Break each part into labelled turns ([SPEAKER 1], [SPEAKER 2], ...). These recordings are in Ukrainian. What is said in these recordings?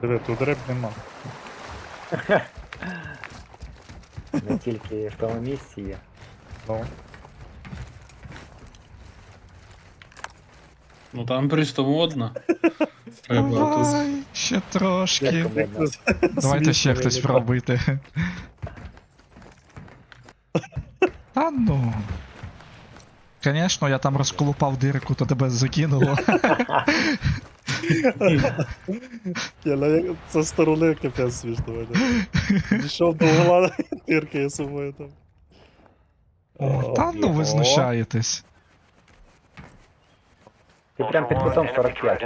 [SPEAKER 1] Диви, тут риб нема.
[SPEAKER 2] Не тільки в тому місці є.
[SPEAKER 1] Ну.
[SPEAKER 3] Ну там просто модно. Треба тут.
[SPEAKER 4] Давай, ще
[SPEAKER 2] Як
[SPEAKER 4] трошки.
[SPEAKER 2] комедно.
[SPEAKER 4] Давайте ще хтось пробуйте. Та ну. Звісно, я там розколупав дирку, то тебе закинуло.
[SPEAKER 1] Це сторони капець смішно. Дійшов до угла, тиркає собою там.
[SPEAKER 4] Та ну ви знущаєтесь.
[SPEAKER 2] Ти прям під кутом 45.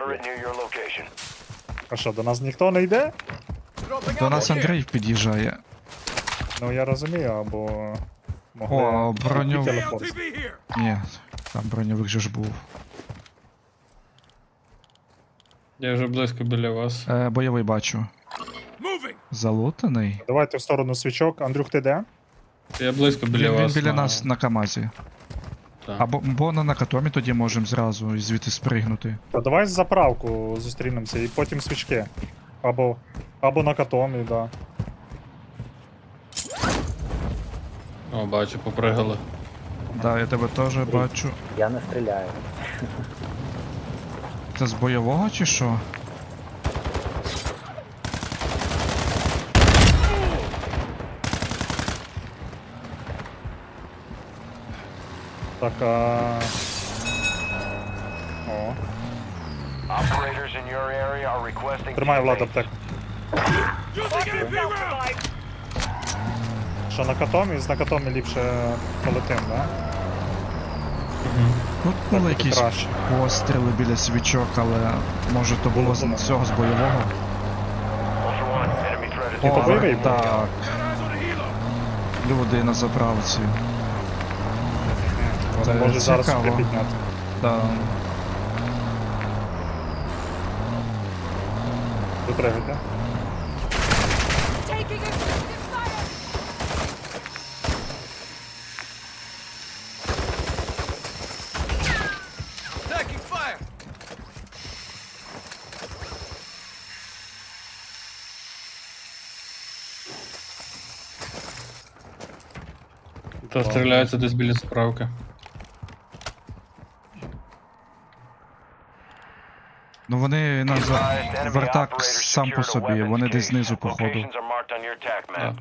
[SPEAKER 1] А що, до нас ніхто не йде?
[SPEAKER 4] До нас Андрій під'їжджає.
[SPEAKER 1] Ну я розумію, або...
[SPEAKER 4] О, броню...
[SPEAKER 1] телепорт.
[SPEAKER 4] Ні, там броньовик же ж був.
[SPEAKER 3] Я вже близько біля вас.
[SPEAKER 4] Бойовий бачу. Залутаний.
[SPEAKER 1] Давайте в сторону свічок. Андрюх, ти де?
[SPEAKER 3] Я близько біля
[SPEAKER 4] Він
[SPEAKER 3] вас.
[SPEAKER 4] біля нас на КамАЗі.
[SPEAKER 3] Так.
[SPEAKER 4] Або на накатомі тоді можемо зразу і звідти спригнути.
[SPEAKER 1] Та давай з заправку зустрінемося і потім свічки. Або на катомі, да.
[SPEAKER 3] О, бачу, попригали.
[SPEAKER 4] Да, я тебе теж бачу.
[SPEAKER 2] Я не стріляю.
[SPEAKER 4] Це з бойового чи що?
[SPEAKER 1] Так, О. Тримай, Влад, аптеку. Що на катомі? З на катомі ліпше полетим, да?
[SPEAKER 4] Тут були
[SPEAKER 1] Так буде
[SPEAKER 4] якісь
[SPEAKER 1] краще.
[SPEAKER 4] постріли біля свічок, але може то було з цього з бойового.
[SPEAKER 1] Ні, то бойовий був.
[SPEAKER 4] так. Люди на заправці.
[SPEAKER 1] Вони
[SPEAKER 4] Це
[SPEAKER 1] можуть зараз
[SPEAKER 4] цікаво.
[SPEAKER 1] сюди підняти.
[SPEAKER 4] Да.
[SPEAKER 1] Допригайте.
[SPEAKER 5] Taking effective fire!
[SPEAKER 3] Та стріляються десь біля справки.
[SPEAKER 4] Ну вони на вертак сам по собі, вони десь знизу походу.
[SPEAKER 3] Так.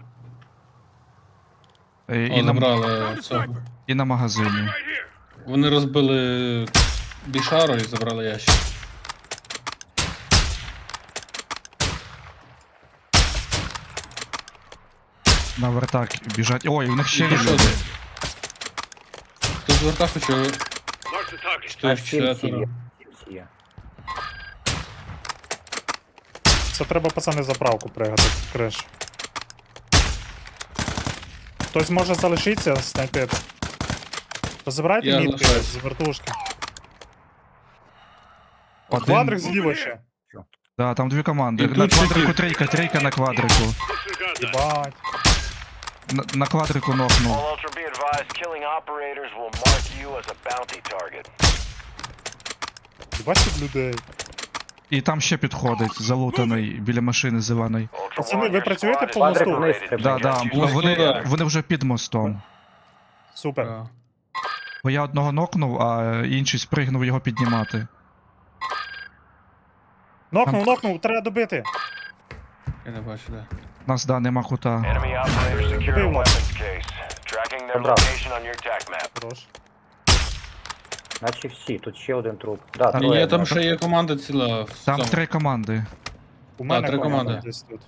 [SPEAKER 4] І
[SPEAKER 3] О,
[SPEAKER 4] на,
[SPEAKER 3] забрали цього.
[SPEAKER 4] і на магазині.
[SPEAKER 3] Вони розбили бішару і забрали ящик.
[SPEAKER 4] На вертак біжать. Ой, у них ще є
[SPEAKER 3] І що
[SPEAKER 4] люди.
[SPEAKER 3] це? Хто з верта хоче?
[SPEAKER 2] А
[SPEAKER 3] Що
[SPEAKER 2] всі є.
[SPEAKER 3] четверо.
[SPEAKER 2] Всі є.
[SPEAKER 1] Це треба, пацани, заправку пригати, криш. Хтось може залишитися снайпити. Позабирайте
[SPEAKER 3] Я
[SPEAKER 1] мітки
[SPEAKER 3] залишаюсь.
[SPEAKER 1] з вертушки.
[SPEAKER 4] Один-
[SPEAKER 1] Квадрик зліва ще.
[SPEAKER 4] Да, там дві команди.
[SPEAKER 3] І
[SPEAKER 4] На
[SPEAKER 3] тут
[SPEAKER 4] квадрику
[SPEAKER 3] такі-
[SPEAKER 4] трійка на квадрику.
[SPEAKER 1] Єбать.
[SPEAKER 4] На квадрику нокнув.
[SPEAKER 6] All Ultra be advised, killing operators will mark you as a bounty target.
[SPEAKER 1] Єбать тут людей.
[SPEAKER 4] І там ще підходить, залутаний біля машини зеленої.
[SPEAKER 6] Ultra
[SPEAKER 1] Пацани,
[SPEAKER 6] One,
[SPEAKER 1] ви
[SPEAKER 6] your
[SPEAKER 1] працюєте
[SPEAKER 6] squad
[SPEAKER 1] по
[SPEAKER 6] is
[SPEAKER 1] мосту?
[SPEAKER 2] Квадрик вниз
[SPEAKER 6] separated.
[SPEAKER 2] стрибає.
[SPEAKER 4] Да, да,
[SPEAKER 3] Ну,
[SPEAKER 4] вони,
[SPEAKER 3] да.
[SPEAKER 4] вони вже під мостом.
[SPEAKER 1] Супер.
[SPEAKER 3] Так.
[SPEAKER 4] Бо я одного нокнув, а інший спригнув його піднімати.
[SPEAKER 1] Нокнув, треба добити.
[SPEAKER 3] Я не бачу, де.
[SPEAKER 4] Нас, да, нема кута.
[SPEAKER 6] Enemy operators secure a
[SPEAKER 1] Добив нас.
[SPEAKER 6] weapons case. Tracking their
[SPEAKER 2] Забрав.
[SPEAKER 6] location on your attack map.
[SPEAKER 1] Хорош.
[SPEAKER 2] Наче всі, тут ще один труп. Да,
[SPEAKER 4] Та
[SPEAKER 3] Ні,
[SPEAKER 2] троє,
[SPEAKER 3] там
[SPEAKER 2] да.
[SPEAKER 3] ще є команда ціла. в
[SPEAKER 4] Там
[SPEAKER 3] цьому.
[SPEAKER 4] 3 команди.
[SPEAKER 1] У мене
[SPEAKER 3] три
[SPEAKER 1] команда
[SPEAKER 3] команди.
[SPEAKER 1] десь тут.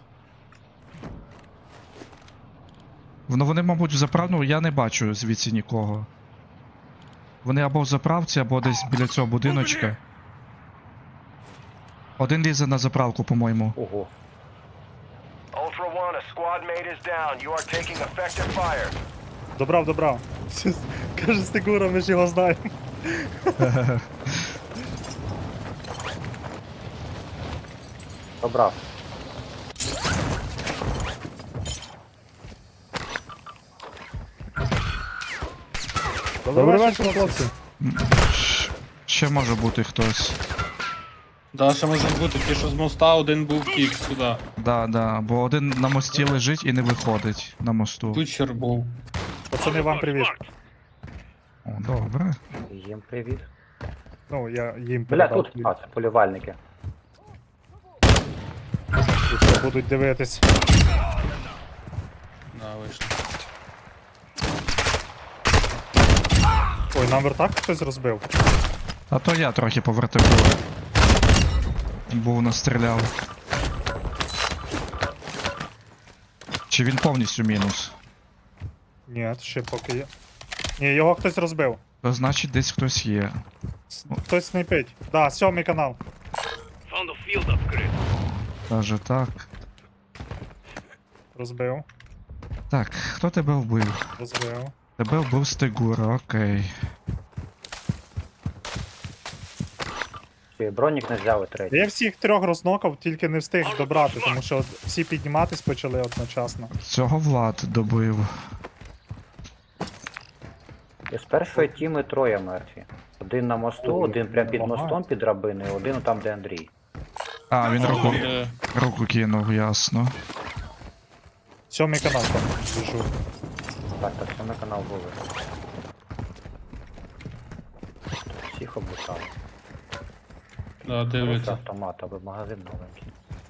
[SPEAKER 4] Вони, мабуть, в заправну, я не бачу звідси нікого. Вони або в заправці, або десь біля цього будиночка. Один лізе на заправку, по-моєму.
[SPEAKER 2] Ого.
[SPEAKER 6] Ultra One, a squad mate is down. You are taking effective fire.
[SPEAKER 1] Добрав. Каже Стегура, ми ж його знаємо.
[SPEAKER 2] Добрав.
[SPEAKER 1] Добрий вечір, хлопці.
[SPEAKER 4] Ще може бути хтось.
[SPEAKER 3] Да, ще можуть бути, ті, що з моста, один був втік сюди.
[SPEAKER 4] Да, бо один на мості лежить і не виходить на мосту.
[SPEAKER 3] Кучер був.
[SPEAKER 1] Пацани, вам привіт.
[SPEAKER 4] О, добре.
[SPEAKER 2] Їм привіт.
[SPEAKER 1] Ну, я їм
[SPEAKER 2] Бля,
[SPEAKER 1] передав.
[SPEAKER 2] тут. А, це полювальники.
[SPEAKER 1] І що будуть дивитись.
[SPEAKER 3] Да, вийшло.
[SPEAKER 1] Ой, нам вертак хтось розбив.
[SPEAKER 4] А то я трохи по вертику. Був настріляв. Чи він повністю мінус?
[SPEAKER 1] Ні, ще поки є. Ні, його хтось розбив.
[SPEAKER 4] То значить десь хтось є.
[SPEAKER 1] Хтось снайпить. Да, 7-й канал.
[SPEAKER 4] Каже так.
[SPEAKER 1] Розбив.
[SPEAKER 4] Так, хто тебе вбив?
[SPEAKER 1] Розбив.
[SPEAKER 4] Тебе вбив Стегура, окей.
[SPEAKER 2] Всі, бронік не взяли третій.
[SPEAKER 1] Я всіх трьох рознокав, тільки не встиг добрати, тому що от всі підніматись почали одночасно.
[SPEAKER 4] Цього Влад добив.
[SPEAKER 2] І з першої тіми троє мертві. Один на мосту,
[SPEAKER 1] Ой,
[SPEAKER 2] один прямо під
[SPEAKER 1] ага.
[SPEAKER 2] мостом під драбиною, один там, де Андрій.
[SPEAKER 4] А, він руку,
[SPEAKER 3] Е,
[SPEAKER 4] руку кинув, ясно.
[SPEAKER 1] 7-й канал там біжу.
[SPEAKER 2] Так, це на канал були. Всіх облутали.
[SPEAKER 3] Да,
[SPEAKER 2] Просто
[SPEAKER 3] дивляться.
[SPEAKER 2] автомат, аби магазин новенький.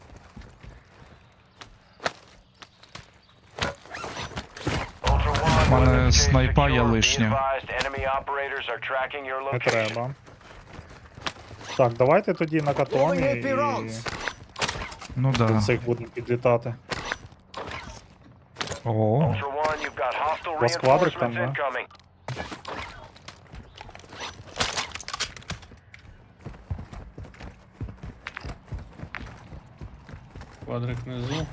[SPEAKER 6] Ultra One,
[SPEAKER 4] У мене
[SPEAKER 6] weapons case
[SPEAKER 4] снайпа є
[SPEAKER 6] secure. Be
[SPEAKER 4] лишня.
[SPEAKER 6] advised, enemy operators are tracking your
[SPEAKER 1] Не
[SPEAKER 6] location.
[SPEAKER 1] треба. Так, давайте тоді на катомі і
[SPEAKER 4] Ну
[SPEAKER 1] до
[SPEAKER 4] да.
[SPEAKER 1] цих будемо підлітати.
[SPEAKER 4] О,
[SPEAKER 6] Ultra One, you've got hostile
[SPEAKER 1] вас квадрик там,
[SPEAKER 6] reinforcements
[SPEAKER 1] да?
[SPEAKER 6] incoming.
[SPEAKER 3] Квадрик внизу.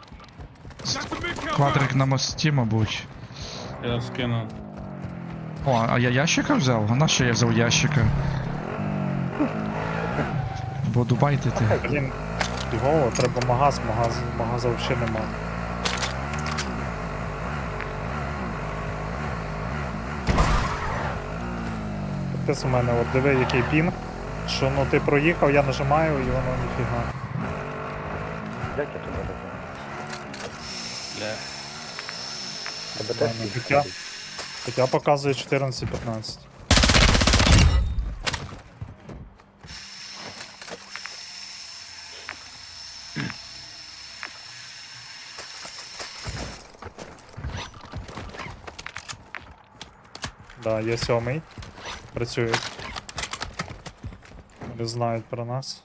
[SPEAKER 4] квадрик на мості, мабуть.
[SPEAKER 3] Я скину.
[SPEAKER 4] О, а я ящика взяв? А на що я взяв ящика? Буду байтити.
[SPEAKER 1] Блін, фігово, треба магаза взагалі нема. Ти у мене, от диви, який пінг, що ну ти проїхав, я нажимаю і воно ніфіга.
[SPEAKER 2] Як я тебе розумію?
[SPEAKER 3] Бля.
[SPEAKER 2] Тебе теж
[SPEAKER 1] Ладно,
[SPEAKER 2] всіх
[SPEAKER 1] життя.
[SPEAKER 2] ходить.
[SPEAKER 1] Хоча показує 14-15. Да, є 7-й. Працюють. Вони знають про нас.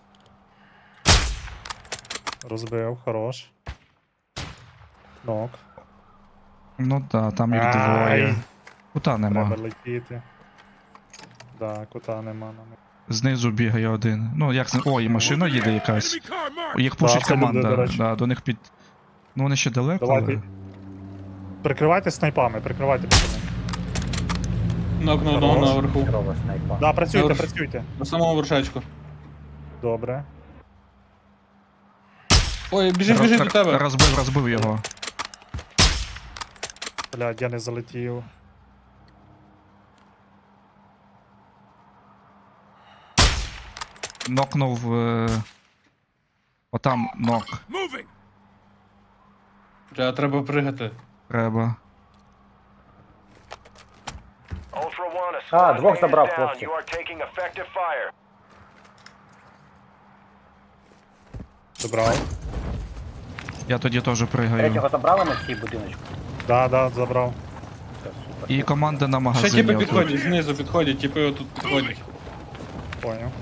[SPEAKER 1] Розбив, хорош. Нок.
[SPEAKER 4] Ну да, там їх
[SPEAKER 1] Ай.
[SPEAKER 4] двоє. Кута нема.
[SPEAKER 1] Треба летіти. Да, кута нема на них.
[SPEAKER 4] Знизу бігає один. Ну як О, і машина їде якась. Їх пушить
[SPEAKER 1] це люди, до
[SPEAKER 4] команда.
[SPEAKER 1] речі.
[SPEAKER 4] Да, до них під. Ну вони ще далеко.
[SPEAKER 1] Давайте.
[SPEAKER 4] Але...
[SPEAKER 1] Прикривайте снайпами, прикривайте пацани.
[SPEAKER 3] Нокнув одного
[SPEAKER 1] Хорош.
[SPEAKER 3] наверху.
[SPEAKER 2] Здорова снайпа.
[SPEAKER 1] Да, працюйте,
[SPEAKER 3] Хорош.
[SPEAKER 1] працюйте.
[SPEAKER 3] На самому вершечку.
[SPEAKER 1] Добре.
[SPEAKER 3] Ой, біжить до тебе.
[SPEAKER 4] Розбив його.
[SPEAKER 1] Блядь, я не залетів.
[SPEAKER 4] Нокнув. Отам нок.
[SPEAKER 3] Бля, треба пригати.
[SPEAKER 4] Треба.
[SPEAKER 6] Ultra One, a
[SPEAKER 2] А,
[SPEAKER 6] squad
[SPEAKER 2] двох
[SPEAKER 6] mate is
[SPEAKER 2] забрав,
[SPEAKER 6] down.
[SPEAKER 2] хлопці.
[SPEAKER 6] You are taking effective fire.
[SPEAKER 1] Добрав.
[SPEAKER 4] Я тоді теж пригаю.
[SPEAKER 2] Третього забрали на цій будиночку?
[SPEAKER 1] Да, забрав.
[SPEAKER 2] Все, супер.
[SPEAKER 4] І команда на
[SPEAKER 3] Ще
[SPEAKER 4] магазині.
[SPEAKER 3] тіпи
[SPEAKER 4] отут.
[SPEAKER 3] підходять, знизу підходять, тіпи отут підходять.
[SPEAKER 1] Поняв.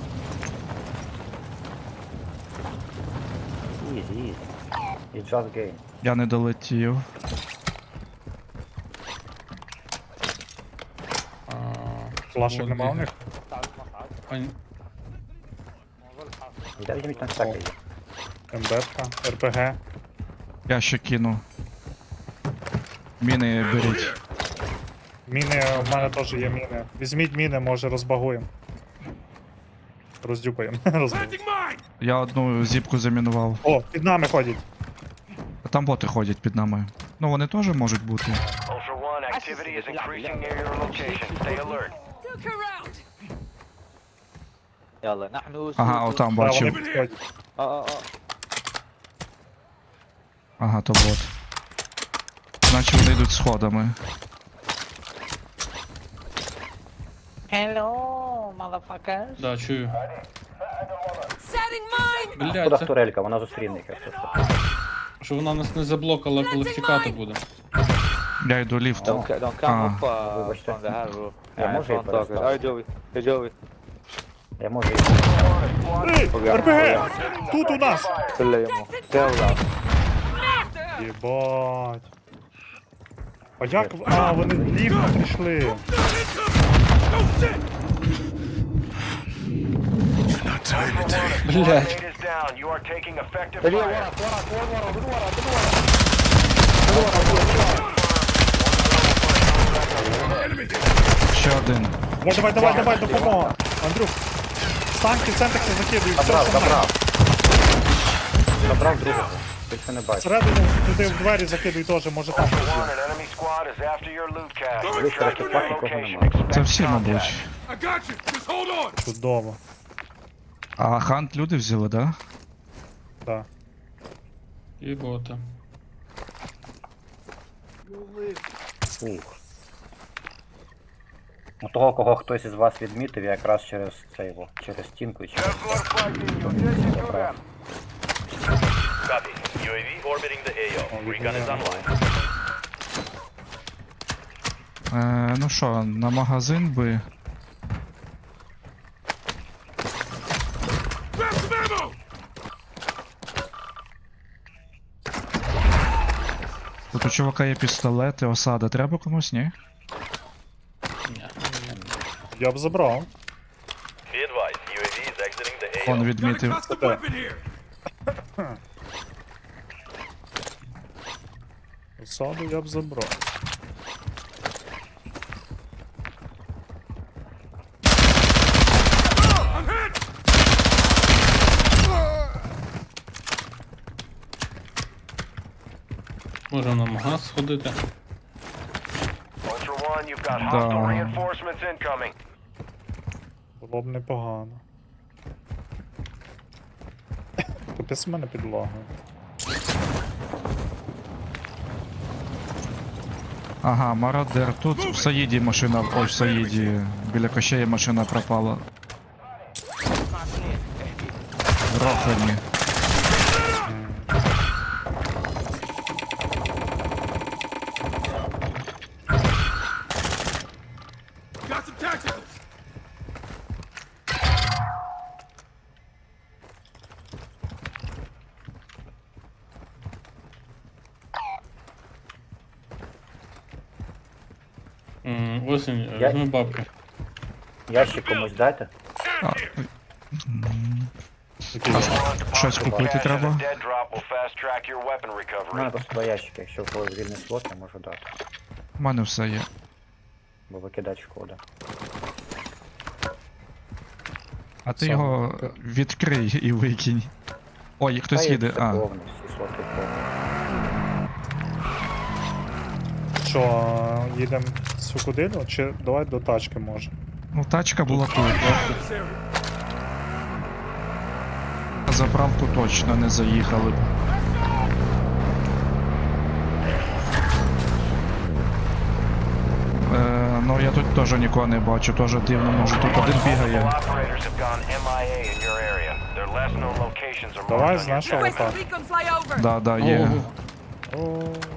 [SPEAKER 2] Easy, easy. It's just game.
[SPEAKER 4] Я не долетів.
[SPEAKER 3] А,
[SPEAKER 1] Флашок
[SPEAKER 3] от
[SPEAKER 1] нема у
[SPEAKER 3] бігає.
[SPEAKER 1] них?
[SPEAKER 3] Ань,
[SPEAKER 2] Я візьміть там всяке є.
[SPEAKER 1] МБшка, РПГ.
[SPEAKER 4] Я ще кину. Міни беріть.
[SPEAKER 1] Міни, в мене теж є міни. Візьміть міни, може розбагуємо. Роздюпаємо. Розбагуємо.
[SPEAKER 4] Я одну зіпку замінував.
[SPEAKER 1] О, під нами ходять.
[SPEAKER 4] А там боти ходять під нами. Ну вони теж можуть бути.
[SPEAKER 6] Ultra One, activity is increasing near your location. Stay alert.
[SPEAKER 5] Look around. يلا نحن
[SPEAKER 4] Ага,
[SPEAKER 5] سود.
[SPEAKER 4] отам
[SPEAKER 1] Да, вони
[SPEAKER 4] бачив.
[SPEAKER 1] підходять.
[SPEAKER 4] Ага, то бот. Значить вони йдуть сходами.
[SPEAKER 5] Hello, motherfuckers.
[SPEAKER 3] Да, чую.
[SPEAKER 2] Куди
[SPEAKER 3] Блядь, це
[SPEAKER 2] турелька, вона зустріне їх, якщо що.
[SPEAKER 3] що вона нас не заблокала, коли втікати буде.
[SPEAKER 4] Я йду ліфтом.
[SPEAKER 5] Don't come up
[SPEAKER 2] Вибачте.
[SPEAKER 5] from the hard roof.
[SPEAKER 2] Я можу її
[SPEAKER 5] Front talker.
[SPEAKER 2] переставити?
[SPEAKER 5] Hey Joey.
[SPEAKER 2] Я можу їх.
[SPEAKER 1] Ей, РПГ! Тут у нас!
[SPEAKER 5] Стріляй йому. Стріляй.
[SPEAKER 1] Єбать. А як? А, вони ліфтом прийшли.
[SPEAKER 3] Блядь.
[SPEAKER 6] Grenade is down. You are taking effective fire.
[SPEAKER 4] Ще один.
[SPEAKER 1] Давай, допомога. Андрюх. Станки, центекси закидують, все,
[SPEAKER 2] Забрав,
[SPEAKER 1] що має.
[SPEAKER 2] забрав. Забрав другого. Більше не бачу.
[SPEAKER 1] Всередину туди в двері закидуй теж, може там.
[SPEAKER 6] Ultra One, an enemy squad is after your loot cache.
[SPEAKER 2] Дивись,
[SPEAKER 6] Track
[SPEAKER 2] трохи
[SPEAKER 6] your
[SPEAKER 2] нікого
[SPEAKER 6] location.
[SPEAKER 2] немає.
[SPEAKER 6] Expect
[SPEAKER 4] Це всі,
[SPEAKER 6] contact.
[SPEAKER 4] мабуть.
[SPEAKER 1] Чудово.
[SPEAKER 4] А хант люди взяли, да?
[SPEAKER 1] Так.
[SPEAKER 3] І бота.
[SPEAKER 2] Ух. У того, кого хтось із вас відмітив, я якраз через це його, через стінку і через якраз.
[SPEAKER 6] Copy. UAV orbiting the AO. Recon is online.
[SPEAKER 4] Ну що, на магазин би. Тут у чувака є пістолети, осада. Треба комусь, ні?
[SPEAKER 1] Я б забрав.
[SPEAKER 6] Be advised, UAV is exiting the AO.
[SPEAKER 4] Он відмітив.
[SPEAKER 1] Осаду я б забрав.
[SPEAKER 3] Можемо на магаз сходити.
[SPEAKER 6] Ultra One, you've got
[SPEAKER 4] Да.
[SPEAKER 6] hostile reinforcements incoming.
[SPEAKER 1] Було б непогано. Капець в мене підлога.
[SPEAKER 4] Ага, мародер. Тут в Саїді машина. Ой, в Саїді. Біля кощея машина пропала. Рохані.
[SPEAKER 3] Осінь,
[SPEAKER 2] Я-
[SPEAKER 3] візьми бабки.
[SPEAKER 2] Ящик комусь дайте.
[SPEAKER 4] А,
[SPEAKER 1] Який?
[SPEAKER 4] щось купити
[SPEAKER 6] Cache and a
[SPEAKER 4] треба.
[SPEAKER 6] dead drop will fast track your weapon
[SPEAKER 2] У мене
[SPEAKER 6] recovery.
[SPEAKER 2] просто два ящики, якщо в когось вільний слот, я можу дати.
[SPEAKER 4] У мене все є.
[SPEAKER 2] Бо викидати шкода.
[SPEAKER 4] А ти
[SPEAKER 1] Сам.
[SPEAKER 4] його відкрий і викинь. Ой, хтось
[SPEAKER 2] Та
[SPEAKER 4] їде.
[SPEAKER 2] все
[SPEAKER 4] А,
[SPEAKER 2] повно, всі слоти повні.
[SPEAKER 1] Що, їдемо сюди, чи давай до тачки може?
[SPEAKER 4] ну тачка була тут. На заправку точно не заїхали б. Ну я тут теж нікого не бачу, теж дивно, може тут один
[SPEAKER 6] All
[SPEAKER 4] бігає.
[SPEAKER 6] operators have gone MIA in your area. Their last known locations are
[SPEAKER 1] Давай
[SPEAKER 6] marked
[SPEAKER 1] з
[SPEAKER 6] on your
[SPEAKER 1] нашого
[SPEAKER 6] map.
[SPEAKER 1] так.
[SPEAKER 7] Recon flyover.
[SPEAKER 4] Да, да, є.
[SPEAKER 1] О,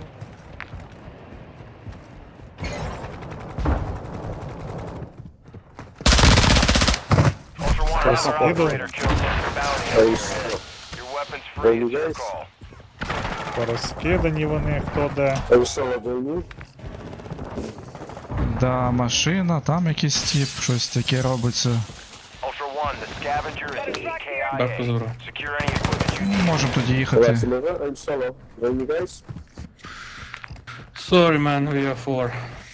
[SPEAKER 6] Ultra One,
[SPEAKER 1] Yes,
[SPEAKER 6] another
[SPEAKER 1] people.
[SPEAKER 6] operator killed Mr. Bounty. Your weapon's free. It's your call.
[SPEAKER 1] порозкидані вони, хто де.
[SPEAKER 4] Да, машина, там якийсь тип, щось таке робиться.
[SPEAKER 6] Ultra One, the scavenger is the
[SPEAKER 3] Бабку
[SPEAKER 6] EKIA.
[SPEAKER 3] забрав.
[SPEAKER 6] Secure any equipment you need.
[SPEAKER 4] Можемо тоді їхати.
[SPEAKER 3] Sorry man, we are four.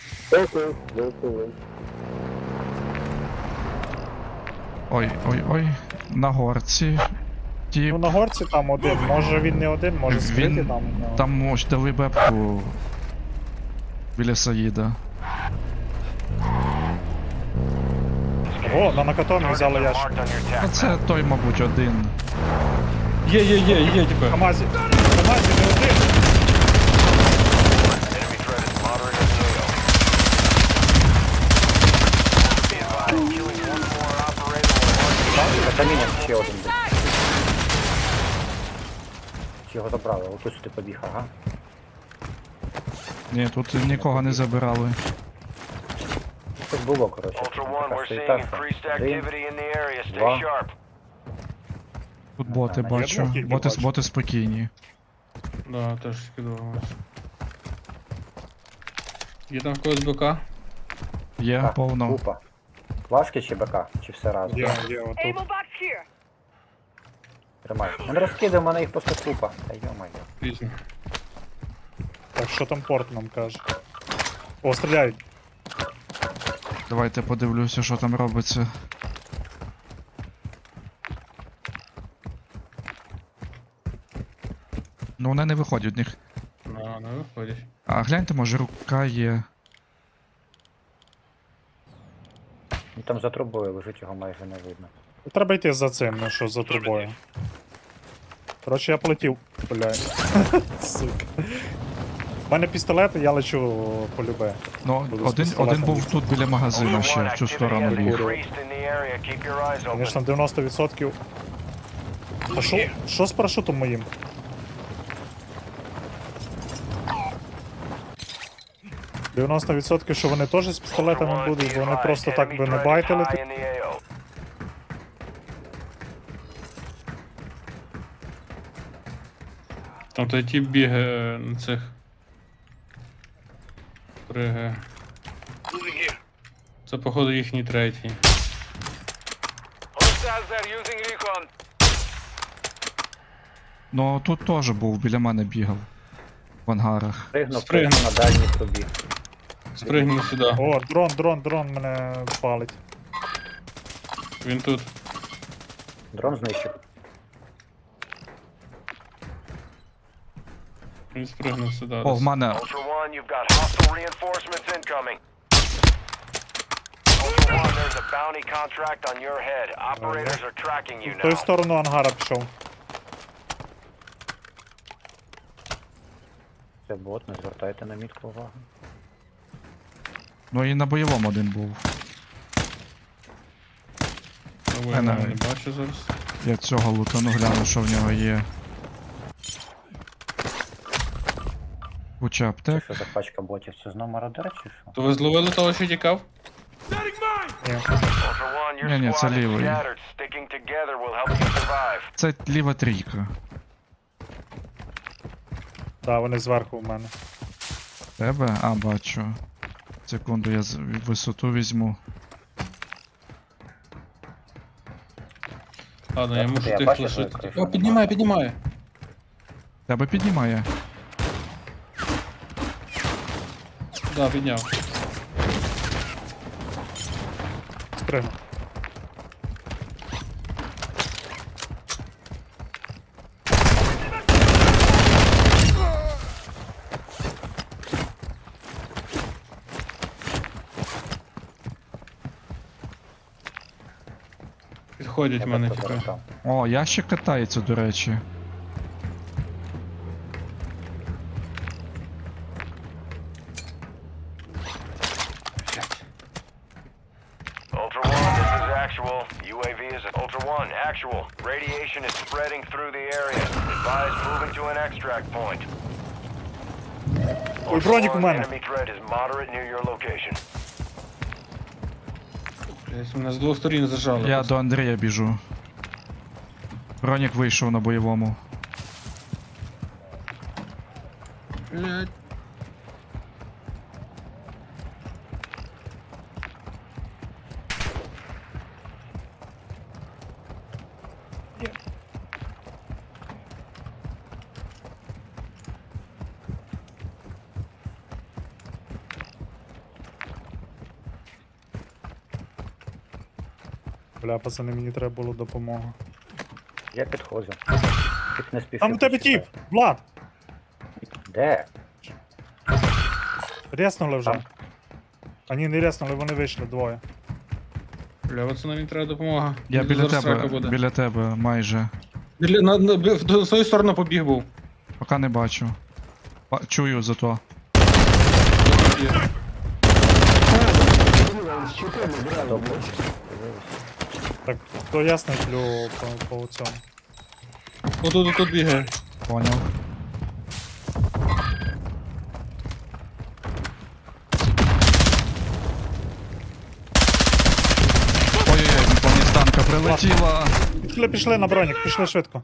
[SPEAKER 4] Ой, ой, ой. На горці. Тип.
[SPEAKER 1] Ну на горці там один, може він не один, може скритий
[SPEAKER 4] Він
[SPEAKER 1] там. ну.
[SPEAKER 4] там ось дали бебку біля Саїда.
[SPEAKER 1] О, на накатомі взяли ящик.
[SPEAKER 6] Marked on your attack
[SPEAKER 4] Оце той, мабуть, один.
[SPEAKER 3] Є, типу.
[SPEAKER 1] Камазі. Камазі не один.
[SPEAKER 6] Enemy threat is moderate in the AO. Be advised, killing one more operator will mark you.
[SPEAKER 2] За камінням ще один. Чи його забрали? Отут сюди побіг, ага.
[SPEAKER 4] Ні, тут нікого не забирали.
[SPEAKER 2] Тут було, коротше.
[SPEAKER 6] Ultra One,
[SPEAKER 2] Така
[SPEAKER 6] we're
[SPEAKER 2] суєта,
[SPEAKER 6] seeing
[SPEAKER 2] що
[SPEAKER 6] increased
[SPEAKER 2] один.
[SPEAKER 6] activity in the area. Stay
[SPEAKER 2] Два.
[SPEAKER 6] sharp.
[SPEAKER 4] Тут боти
[SPEAKER 2] Я
[SPEAKER 4] бачу.
[SPEAKER 1] думав, тільки бачу.
[SPEAKER 4] Боти спокійні.
[SPEAKER 3] Да, теж скидувалось. Є там в когось БК?
[SPEAKER 4] Є
[SPEAKER 2] Так,
[SPEAKER 4] повно.
[SPEAKER 2] Купа. Плашки чи БК? Чи все разом?
[SPEAKER 1] Є, отут.
[SPEAKER 7] Able box here.
[SPEAKER 2] Тримай. Ми не розкидаємо, мене їх просто купа. Та йо-моє.
[SPEAKER 3] Пізно.
[SPEAKER 1] Так, що там порт нам каже? О, стріляють.
[SPEAKER 4] Давайте подивлюся, що там робиться. Ну вони не виходять в них.
[SPEAKER 3] Не виходять.
[SPEAKER 4] А гляньте, може рука є.
[SPEAKER 2] Ну, там за трубою лежить, його майже не видно.
[SPEAKER 1] Треба йти за цим, ну що, за трубою. Коротше, я полетів. Бля. Сука. У мене пістолет, я лечу по любе.
[SPEAKER 4] Ну,
[SPEAKER 1] Буду з
[SPEAKER 4] один
[SPEAKER 1] пістолетом
[SPEAKER 4] був
[SPEAKER 1] бігти.
[SPEAKER 4] тут біля магазину
[SPEAKER 6] Ultra
[SPEAKER 4] ще,
[SPEAKER 6] One,
[SPEAKER 4] в цю
[SPEAKER 6] activity
[SPEAKER 4] сторону
[SPEAKER 6] has
[SPEAKER 4] біг.
[SPEAKER 6] increased in the area. Keep your eyes open.
[SPEAKER 1] Звісно, 90%. Та що з парашутом моїм? – 90%, що вони теж з
[SPEAKER 6] Ultra
[SPEAKER 1] пістолетами
[SPEAKER 6] One,
[SPEAKER 1] будуть,
[SPEAKER 6] be
[SPEAKER 1] бо вони
[SPEAKER 6] advised,
[SPEAKER 1] просто так
[SPEAKER 6] enemy
[SPEAKER 1] би не
[SPEAKER 6] threat is
[SPEAKER 1] байтили.
[SPEAKER 6] high in the AO.
[SPEAKER 3] Там той тип бігає на цих. Пригає. Це, походу, їхній третій.
[SPEAKER 4] Ну тут теж був, біля мене бігав. В ангарах.
[SPEAKER 2] Пригнув
[SPEAKER 3] Спригнув.
[SPEAKER 2] на дальній трубі.
[SPEAKER 3] Спригнув сюди.
[SPEAKER 1] О, дрон мене палить.
[SPEAKER 3] Він тут.
[SPEAKER 2] Дрон знищив.
[SPEAKER 3] Він спригнув сюди.
[SPEAKER 4] О, в мене.
[SPEAKER 6] Ultra One, you've got hostile reinforcements incoming. Ultra One, there's a bounty contract on your head. Operators are tracking you
[SPEAKER 1] В ту
[SPEAKER 6] now.
[SPEAKER 1] сторону ангара пішов.
[SPEAKER 2] Це бот, не звертайте на мітку увагу.
[SPEAKER 4] Ну і на бойовому один був.
[SPEAKER 3] Я не
[SPEAKER 4] Мене.
[SPEAKER 3] бачу зараз.
[SPEAKER 4] Я цього лутану гляну, що в нього є. Куча
[SPEAKER 2] Це
[SPEAKER 4] аптек.
[SPEAKER 2] що за пачка ботів? Це знов мародер чи що?
[SPEAKER 3] То ви зловили того, що тікав?
[SPEAKER 1] Ні.
[SPEAKER 6] Ultra One, your
[SPEAKER 4] Не-не, це
[SPEAKER 6] squad is
[SPEAKER 4] лівий.
[SPEAKER 6] scattered. Sticking together will help you survive.
[SPEAKER 4] Це ліва трійка.
[SPEAKER 1] Так, вони зверху в мене.
[SPEAKER 4] Тебе? А, бачу. Секунду, я висоту візьму.
[SPEAKER 3] Ладно, я
[SPEAKER 2] Так,
[SPEAKER 3] мушу
[SPEAKER 2] я
[SPEAKER 3] тих
[SPEAKER 2] бачу,
[SPEAKER 3] лишити.
[SPEAKER 2] що я кришу
[SPEAKER 3] О, піднімає.
[SPEAKER 4] Тебе піднімає.
[SPEAKER 3] Да, підняв.
[SPEAKER 1] Спригнув.
[SPEAKER 3] Підходять
[SPEAKER 2] Я
[SPEAKER 3] в мене,
[SPEAKER 2] просто
[SPEAKER 3] типу.
[SPEAKER 2] зараз
[SPEAKER 4] О, ящик катається, до речі.
[SPEAKER 6] Ultra One, this is actual. UAV is Ultra One, actual. Radiation is spreading through the area. Advise moving to an extract point.
[SPEAKER 1] Ой, бронік у
[SPEAKER 6] Ultra One,
[SPEAKER 1] мене.
[SPEAKER 6] enemy threat is moderate near your location.
[SPEAKER 3] Блядь, мене з двох сторін зажали.
[SPEAKER 4] Я до Андрія біжу. Бронік вийшов на бойовому.
[SPEAKER 3] Блядь.
[SPEAKER 1] Бля, пацани, мені треба було допомога.
[SPEAKER 2] Я підходжу. Тільки не спіши.
[SPEAKER 1] Там у тебе тіп! Влад!
[SPEAKER 2] Де?
[SPEAKER 1] Реснули вже.
[SPEAKER 2] Там.
[SPEAKER 1] А ні, не реснули, вони вийшли двоє.
[SPEAKER 3] Бля, пацани, мені треба допомога.
[SPEAKER 4] Я
[SPEAKER 3] Мені
[SPEAKER 4] біля
[SPEAKER 3] зараз срака
[SPEAKER 4] тебе,
[SPEAKER 3] буде.
[SPEAKER 4] біля тебе, майже.
[SPEAKER 3] В свою сторону побіг був.
[SPEAKER 4] Поки не бачу. Чую зато.
[SPEAKER 1] Так, то ясно плю по цьому.
[SPEAKER 3] Отут бігає.
[SPEAKER 4] Поняв. Ой-ой-ой, по мені з танка прилетіла.
[SPEAKER 1] Пішли на бронік, пішли швидко.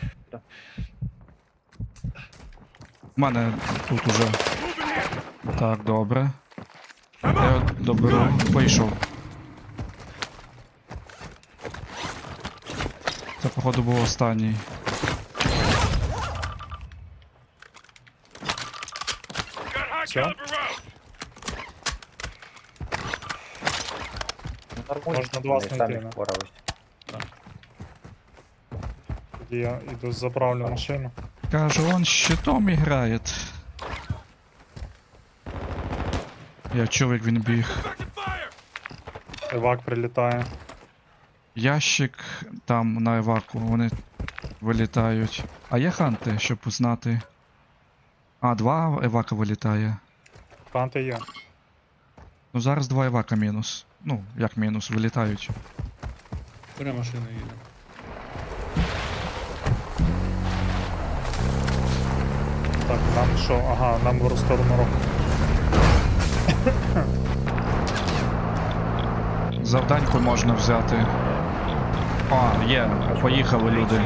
[SPEAKER 4] У мене тут уже. Так, добре. Я доберу. Вийшов. Це, походу, був останній.
[SPEAKER 1] Все, можна до вас
[SPEAKER 2] Ми
[SPEAKER 1] знайти.
[SPEAKER 2] самі
[SPEAKER 1] ну.
[SPEAKER 2] впорались.
[SPEAKER 1] Тоді я йду заправлю машину.
[SPEAKER 4] Кажу, он щитом играет. Я чув, як він біг.
[SPEAKER 1] Евак прилітає.
[SPEAKER 4] Ящик там на еваку, вони вилітають. А є ханти, щоб знати. А, 2 евака вилітає.
[SPEAKER 1] Ханти є.
[SPEAKER 4] Ну зараз 2 евака мінус. Ну, як мінус, вилітають.
[SPEAKER 3] Бере машину їде.
[SPEAKER 1] Так, нам що? Ага, нам в сторону руху.
[SPEAKER 4] Завданьку можна взяти. А, є, поїхали люди.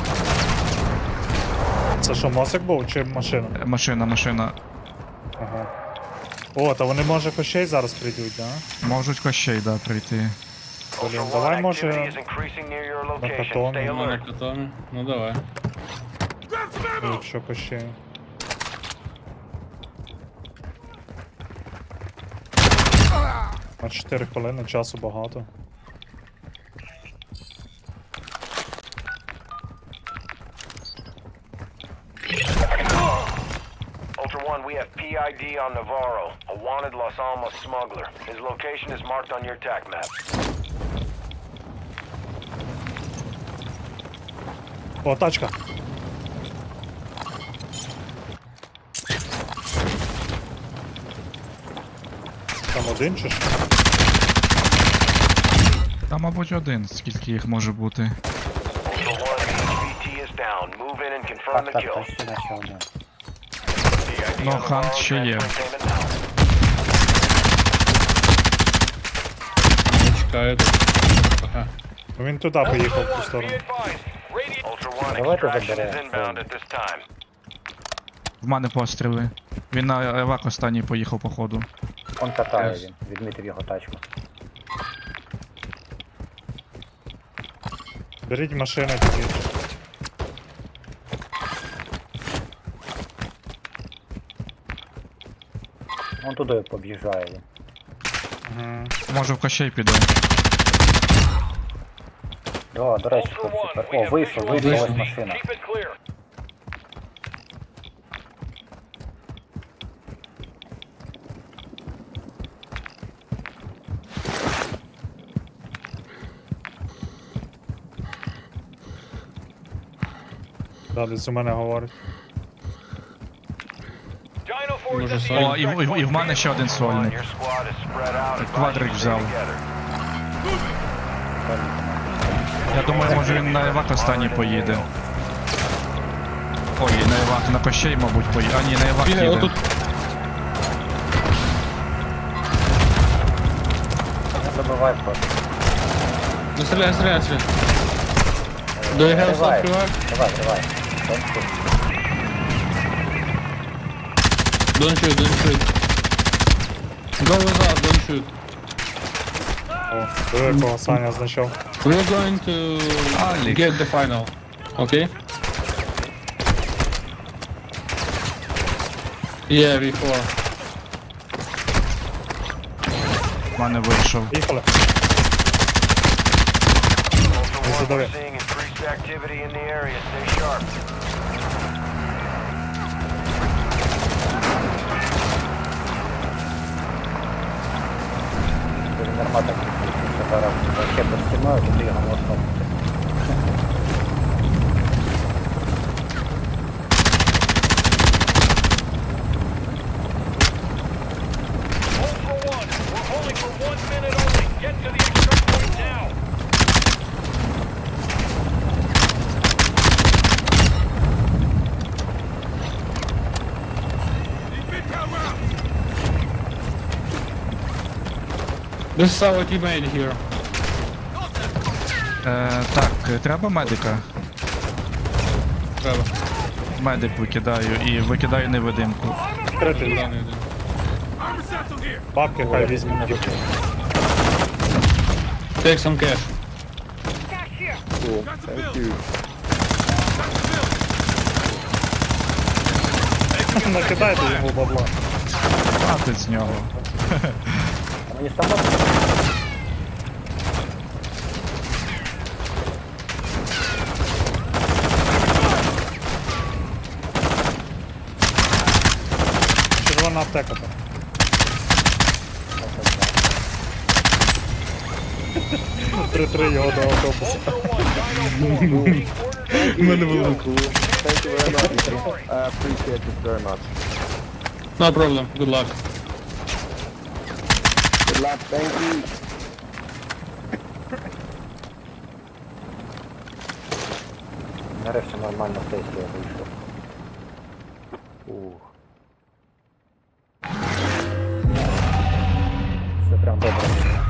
[SPEAKER 1] Це що, мозик був чи машина?
[SPEAKER 4] Машина.
[SPEAKER 1] Ага. О, та вони може кощей зараз прийдуть, да?
[SPEAKER 4] Можуть кощей, да, прийти.
[SPEAKER 1] Блін,
[SPEAKER 6] Ultra
[SPEAKER 1] давай
[SPEAKER 6] One,
[SPEAKER 1] може
[SPEAKER 6] activity is increasing near your location.
[SPEAKER 1] Hackathon.
[SPEAKER 6] Stay
[SPEAKER 3] У мене
[SPEAKER 6] alert.
[SPEAKER 3] катами. Ну давай.
[SPEAKER 1] якщо кощей. На 4 хвилини, часу багато.
[SPEAKER 6] Ultra One, we have PID on Navarro, a wanted Los Alamos smuggler. His location is marked on your TAC map.
[SPEAKER 1] О, тачка! Там один чи що?
[SPEAKER 4] Та, мабуть, один, скільки їх може бути.
[SPEAKER 6] Ultra One, HVT is down. Move in and confirm the
[SPEAKER 2] Так,
[SPEAKER 6] kill.
[SPEAKER 2] почти наче один.
[SPEAKER 6] PID
[SPEAKER 4] Ну,
[SPEAKER 6] on
[SPEAKER 4] Хант
[SPEAKER 6] Navarro,
[SPEAKER 4] ще є.
[SPEAKER 6] transferring payment now.
[SPEAKER 3] Не чекаю тут. Ага.
[SPEAKER 1] Ну він туди поїхав в ту сторону.
[SPEAKER 6] Ultra One,
[SPEAKER 2] Давайте
[SPEAKER 6] extraction is
[SPEAKER 2] заберемо
[SPEAKER 6] inbound
[SPEAKER 2] це.
[SPEAKER 6] at this time.
[SPEAKER 4] В мене постріли. Він на евак останній поїхав, походу.
[SPEAKER 2] Он катає
[SPEAKER 3] Yes.
[SPEAKER 2] він, відмітив його тачку.
[SPEAKER 1] Беріть машину тоді.
[SPEAKER 2] Он туди побіжає він.
[SPEAKER 1] Ага.
[SPEAKER 4] Може в кощей піде.
[SPEAKER 2] О, до речі,
[SPEAKER 6] Ultra
[SPEAKER 2] тут
[SPEAKER 6] One,
[SPEAKER 2] супер.
[SPEAKER 6] we
[SPEAKER 2] О,
[SPEAKER 6] have
[SPEAKER 2] вийшов,
[SPEAKER 6] visual
[SPEAKER 2] вийшов, ось
[SPEAKER 6] on
[SPEAKER 2] машина.
[SPEAKER 6] Keep it clear.
[SPEAKER 1] Далі з у мене говорить.
[SPEAKER 6] Dino Force
[SPEAKER 3] Може,
[SPEAKER 6] at the
[SPEAKER 3] сольник?
[SPEAKER 4] О, і в мене ще один сольник.
[SPEAKER 6] Your squad is spread out.
[SPEAKER 4] Квадрик
[SPEAKER 6] Advise you to
[SPEAKER 4] взяв.
[SPEAKER 6] stay together.
[SPEAKER 4] Я думаю, може він на евак останній поїде. Ой, на евак, на кощей, мабуть, поїде. А ні, на евак
[SPEAKER 3] Бігає,
[SPEAKER 4] їде.
[SPEAKER 3] отут.
[SPEAKER 2] Не забивай просто.
[SPEAKER 3] Ну стріляй. Do you have
[SPEAKER 2] Давай.
[SPEAKER 3] some frag?
[SPEAKER 2] Давай. Don't shoot.
[SPEAKER 3] Don't shoot. Go with us, don't shoot.
[SPEAKER 1] О, диви, якого Саня знайшов.
[SPEAKER 3] We're going to
[SPEAKER 4] Алік.
[SPEAKER 3] get the final. Okay? Yeah, before.
[SPEAKER 4] В мене вийшов.
[SPEAKER 1] Поїхали.
[SPEAKER 6] Ultra One,
[SPEAKER 1] задавай.
[SPEAKER 6] we're seeing increased activity in the area. Stay sharp.
[SPEAKER 2] Він нормально підключився. зараз ще під стіною, туди його можна.
[SPEAKER 6] Ultra One, we're holding for 1 minute only. Get to the extract point now.
[SPEAKER 3] This is our teammate here.
[SPEAKER 4] Так, треба медика.
[SPEAKER 3] Треба.
[SPEAKER 4] Медик викидаю і викидаю невидимку.
[SPEAKER 1] Крити.
[SPEAKER 3] Даний один.
[SPEAKER 1] Бабки хай візьме на руки.
[SPEAKER 3] Take some cash.
[SPEAKER 5] Cool. Thank you.
[SPEAKER 1] Накидайте йому бабла.
[SPEAKER 4] Хватить з нього.
[SPEAKER 2] А мені само
[SPEAKER 1] Червона аптека там. 3-3 його до автобуса.
[SPEAKER 6] Ultra One, Dino 4. Orders
[SPEAKER 3] У мене велико.
[SPEAKER 5] Thank you very much. I appreciate it very much.
[SPEAKER 3] No problem. Good luck.
[SPEAKER 5] Good luck. Thank you.
[SPEAKER 2] нарешті нормальна сесія вийшла. Ух. Це прям добре.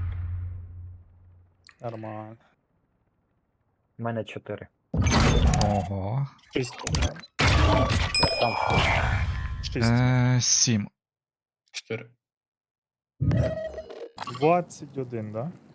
[SPEAKER 1] Нормально.
[SPEAKER 2] У мене 4.
[SPEAKER 4] Ого.
[SPEAKER 1] 6.
[SPEAKER 2] Я сам
[SPEAKER 1] 6.
[SPEAKER 4] 7.
[SPEAKER 3] 4.
[SPEAKER 1] 21, да?